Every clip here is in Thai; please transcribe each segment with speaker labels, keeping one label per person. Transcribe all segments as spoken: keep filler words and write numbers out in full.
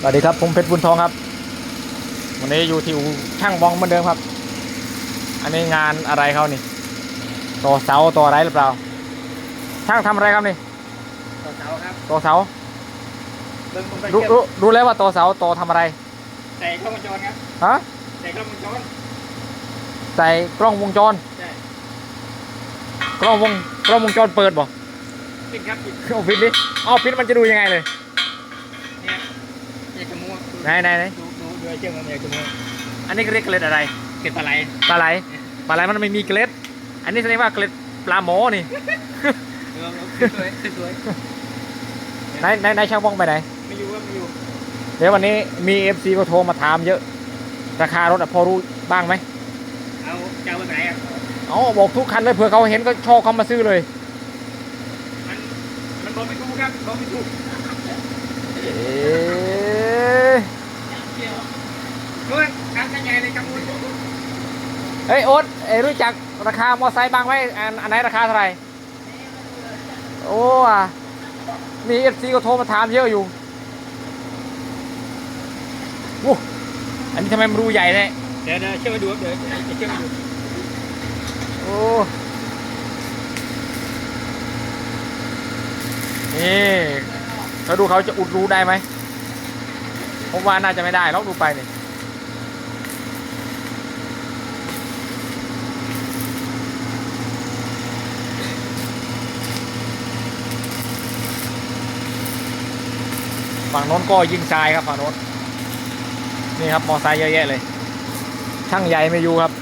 Speaker 1: สวัสดีครับผมเพชรบุญทองครับวันนี้อยู่ที่อู่ช่างบองเหมือนเดิมครับอันนี้งานอะไรเขานี่ต่อเสาต่ออะไรหรือเปล่าช่างทำอะไรครับนี่
Speaker 2: ต่อเสาครับ
Speaker 1: ต่อเสา
Speaker 2: เบิ่งผมไป
Speaker 1: รู้
Speaker 2: เชื่อม
Speaker 1: รู้รู้แล้วว่าต่อเสาต่อทำอะไร
Speaker 2: ใส่กล้องวงจรครับ
Speaker 1: ฮะ
Speaker 2: ใส่กล้องวงจร
Speaker 1: ใส่กล้องวงจร
Speaker 2: ใช่
Speaker 1: กล้องวงกล้องวงจรเปิดบ่
Speaker 2: ปิดครับปิด
Speaker 1: เอาปิดดิเอาปิดมันจะดูยังไงเลย
Speaker 2: เนี่ยอยากจะมัว
Speaker 1: ไหนไหนไหน
Speaker 2: ดูดูดูไอ้เชื่อมมันอยากจะมัว
Speaker 1: อันนี้เรียกเกล็ดอะไร
Speaker 2: เก็บปลาไหล
Speaker 1: ปลาไหลปลาไหลมันไม่มีเกล็ดอันนี้แสดงว่าเกล็ดปลาหมอนี่
Speaker 2: เออสวยสวย
Speaker 1: ไหนไหนไหนช่างบองไปไหน
Speaker 2: ไม่อยู่ว่าไม่อยู่
Speaker 1: เดี๋ยววันนี้มีเอฟซีก็โทรมาถามเยอะราคารถอะพอรู้บ้างไหม
Speaker 2: เอาจะเอาไปไหนอ่ะ
Speaker 1: เอาบอกทุกคันเลยเผื่อเขาเห็นก็ชอบเขามาซื้อเลย
Speaker 2: มันมันบอกไม่ถูกครับบอกไม่ถูก
Speaker 1: เอ๊ะ
Speaker 2: เฮ้ยทำยังไงเลยจังมุน
Speaker 1: เฮ้ยโอ๊ตเอ้ยรู้จักราคามอไซค์บ้างไหมอันอันไหนราคาเท่าไหร่โอ้อะมีเอฟซีก็โทรมาถามเยอะอยู่โอ้อันนี้ทำไมมันรูใหญ่เนี่ย
Speaker 2: เดี๋ยวเดี๋ยวเชื่อมมาดูครับเดี๋ยวจะเชื่อมมาดู
Speaker 1: โอ้นี่เขาดูเขาจะอุดรูได้ไหมผมว่าน่าจะไม่ได้ลองดูไปนี่ฝั่งโน้นก็ยิงทรายครับฝั่งโน้นนี่ครับมอไซค์เยอะแยะเลยช่างใหญ่ไม่อยู่ครับ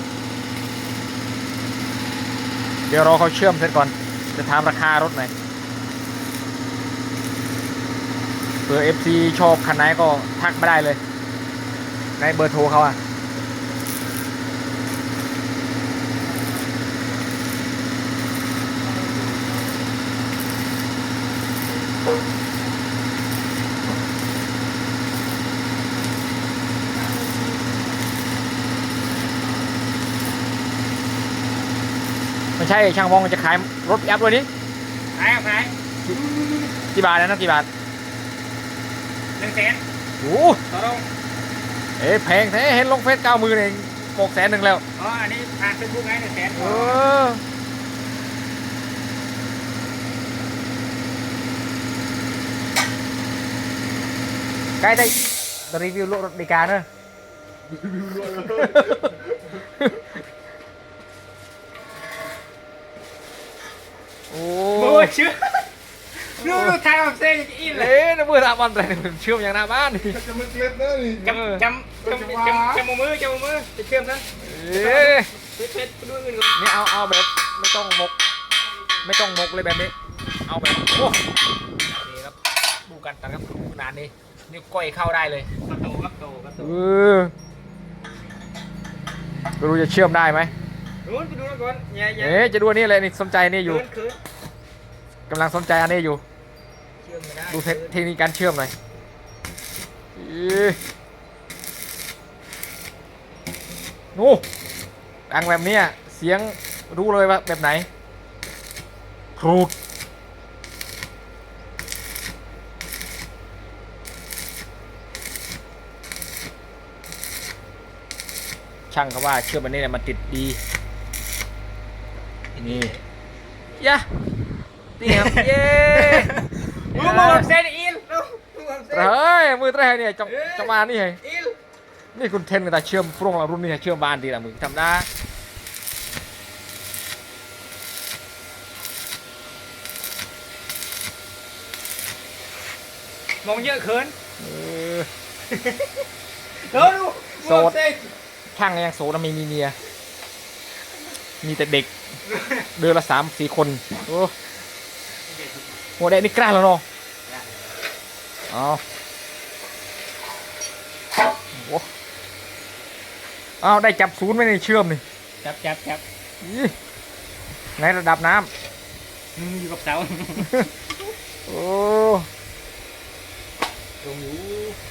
Speaker 1: เดี๋ยวรอเขาเชื่อมเสร็จก่อนจะถามราคารถหน่อยเผื่อ เอฟ ซี ชอบคันไหนก็ทักมาได้เลยในเบอร์โทรเขาอะไม่ใช่ช่างวองจะขายรถยับด้วยนี่
Speaker 2: ขายเอาขาย
Speaker 1: กี่บาทนะกี่บาท
Speaker 2: หนึ่งแสน
Speaker 1: โอ้
Speaker 2: ต่อรอง
Speaker 1: เอ๊ะแพงแท้เห็นลงเฟซเก้ามือเองหกแสนหนึ่งแล้ว
Speaker 2: อ๋ออันนี้ผ่านเฟซบุ๊กไงหนึ่งแสน
Speaker 1: เออใกล้ได้รีวิวรถดีการเนอะโอ้
Speaker 2: โอ้ยเชื่อดูดูทายออกเส้นอีกเลย
Speaker 1: เอ๊ะน้ำมือทำมันอะไรเชื่อมอย่างหน้าบ้านนี่
Speaker 3: จะมึกเล็บนะนี่
Speaker 2: จำจำจำจำจำมือจำมือจะเชื่อมซะ
Speaker 1: เอ๊ะ
Speaker 2: เพชรเพชรไปดูเงินก่อน
Speaker 1: นี่เอาเอาแบบไม่ต้องมก ไม่ต้องมกเลยแบบนี้ เอาแบบโอ้นี่ครับดูกันกันครับขนาดนี้นิ้วก้อยเข้าได้เลย
Speaker 2: กระโตกระโตกระโต
Speaker 1: เออไม่รู้จะเชื่อมได้ไหม
Speaker 2: นู้นไปดูก่อนอย่าอย่า
Speaker 1: เอ๊ะจะดูอันนี้เลยนี่สนใจนี่อยู่
Speaker 2: เขินเขิน
Speaker 1: กำลังสนใจอันนี้อยู่
Speaker 2: เชื่อมไม่ได้
Speaker 1: ดูเทคเทคนิคการเชื่อมหน่อยอีโอ้ดังแบบเนี้ยเสียงรู้เลยว่าแบบไหนครูดช่างเขาว่าเชื่อมอันนี้เนี่ยมันติดดีนี่ยะนี่ครับเย้
Speaker 2: มือมือเส้นอินมือเส้น
Speaker 1: เฮ้ยมือแรกเนี่ยจังจังมานี่ไง
Speaker 2: อิน
Speaker 1: นี่คุณเทนกับตาเชื่อมพรุ่งเรารุ่นนี้เชื่อมบานดีละมึงทำได้
Speaker 2: มองเยอะเขิน
Speaker 1: เออ
Speaker 2: เดี๋ยวดูมือเส้น
Speaker 1: ช่างยังโสดไม่มีเมียมีแต่เด็กเดือนละสามสี่คนโอ้หัวแดงนี่กล้าแล้วเนาะเอาโอ้เอาได้จับศูนย์ไว้ในเชื่อมนี่
Speaker 2: จับจับจับ
Speaker 1: อีในระดับน้
Speaker 2: มืออยู่กับเสา
Speaker 1: ำโอ้
Speaker 2: ตรงอยู่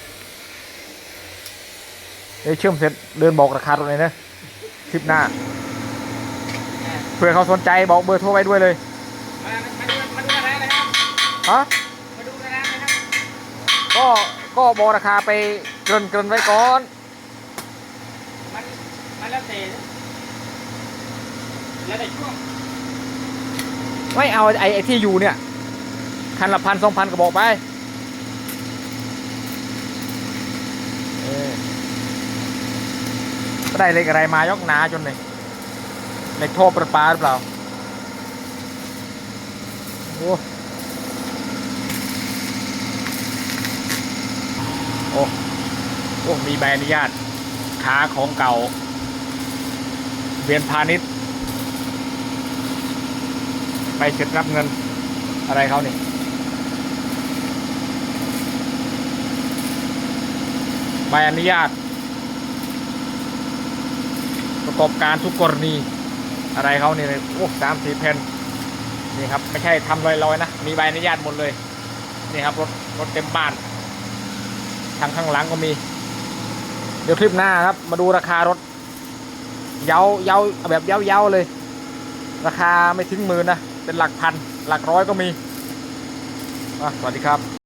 Speaker 1: เดี๋ยวเชื่อมเสร็จเดินบอกราคาตรงไหนนะคลิปหน้าเผื่อเขาสนใจบอกเบอร์โทรไว้ด้วยเลย
Speaker 2: มามาดูมาดูอะไรนะครับ
Speaker 1: ฮะ
Speaker 2: มาดูอะไรนะครับ
Speaker 1: ก็ก็บอกราคาไปเกินเกินไว้ก่อน
Speaker 2: มันมันแล้วแต่แล้วแต่ช่วง
Speaker 1: ไม่เอาไอ้ไอ้ที่อยู่เนี่ยคันละพันสองพันก็บอกไปเออก็ได้เหล็กอะไรมายกหนาจนเลยเหล็กท่อประปาหรือเปล่าโอ้โอ้โอ้มีใบอนุญาตค้าของเก่าเวียนพาณิชย์ไปเสร็จรับเงินอะไรเขาเนี่ยใบอนุญาตประกอบการทุกกรณีอะไรเขาเนี่ยโอ้สามสี่แผ่นนี่ครับไม่ใช่ทำลอยๆนะมีใบอนุญาตหมดเลยนี่ครับรถรถเต็มบ้านทางข้างหลังก็มีเดี๋ยวคลิปหน้าครับมาดูราคารถเย้าเย้าแบบเย้าเย้าเลยราคาไม่ถึงหมื่นนะเป็นหลักพันหลักร้อยก็มีอ่ะสวัสดีครับ